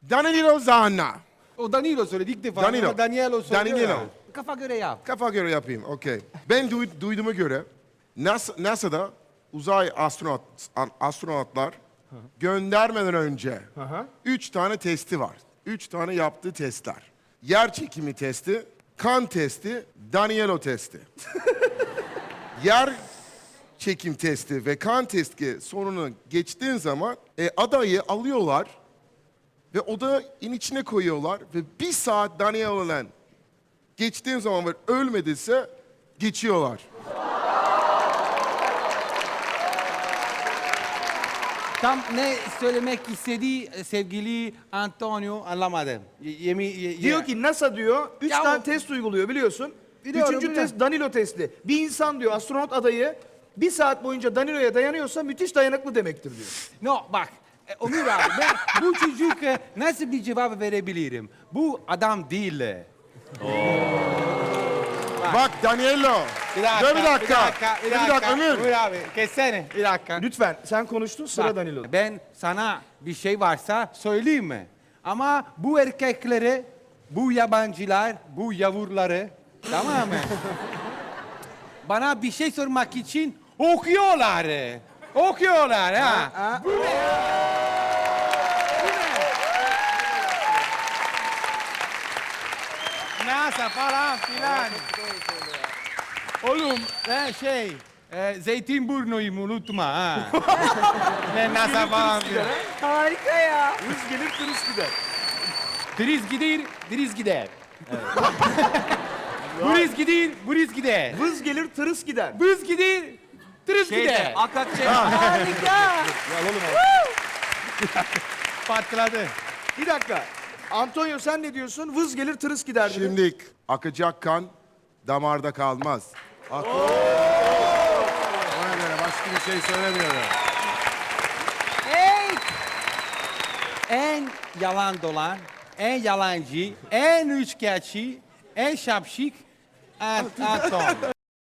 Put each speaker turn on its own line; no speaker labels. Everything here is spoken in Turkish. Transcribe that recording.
Danilo Zanna.
O Danilo söyledi ilk defa.
Danilo.
Ama Danielo söylüyor
Danilo.
ya. Kafa göre yap.
Kafa göre yapayım, okey. Ben duyduğuma göre NASA'da uzay astronotlar göndermeden önce 3 tane testi var. 3 tane yaptığı testler. Yer çekimi testi, kan testi, Danilo testi. Yer çekim testi ve kan testi sonunu geçtiğin zaman adayı alıyorlar ve odanın içine koyuyorlar ve 1 saat Danilo'la geçtiğin zaman ve ölmediyse geçiyorlar.
Tam ne söylemek istediği sevgili Antonio anlamadım.
Diyor ki NASA diyor 3
Ya
tane
o-
test uyguluyor biliyorsun.
Biliyorum,
Üçüncü
biliyorum.
test Danilo testi. Bir insan diyor astronot adayı 1 saat boyunca Danilo'ya dayanıyorsa müthiş dayanıklı demektir diyor.
No bak Onur abi ben bu çocuk nasıl bir cevap verebilirim? Bu adam değil.
Bak Danilo.
Bir dakika,
Dur bir dakika.
bir dakika.
Ömür.
Ömür abi kessene bir dakika.
Lütfen sen konuştun sıra
Bak,
Danilo'da.
ben sana bir şey varsa söyleyeyim mi? Ama bu erkekleri, bu yabancılar, bu yavruları tamam mı? Bana bir şey sormak için okuyorlar. Okuyorlar ha. Bu ne? Bu ne? NASA falan filan. Oğlum Zeytinburnu'yu unutma ha. Ne NASA falan filan.
Harika ya.
Hız gelir tırıs gider.
Diriz gider, diriz gider. Buriz gider, buriz gider.
Vız gelir tırıs gider.
Bız gider, tırıs gider.
Harika.
Patladı.
Bir dakika. Antonio sen ne diyorsun? Vız gelir tırıs gider dedi.
Şimdi akacak kan damarda kalmaz. Ona göre başka bir şey söylemiyorum.
Hey.
En yalan dolan, en yalancı, en üçkağıtçı, en şapşik Anton.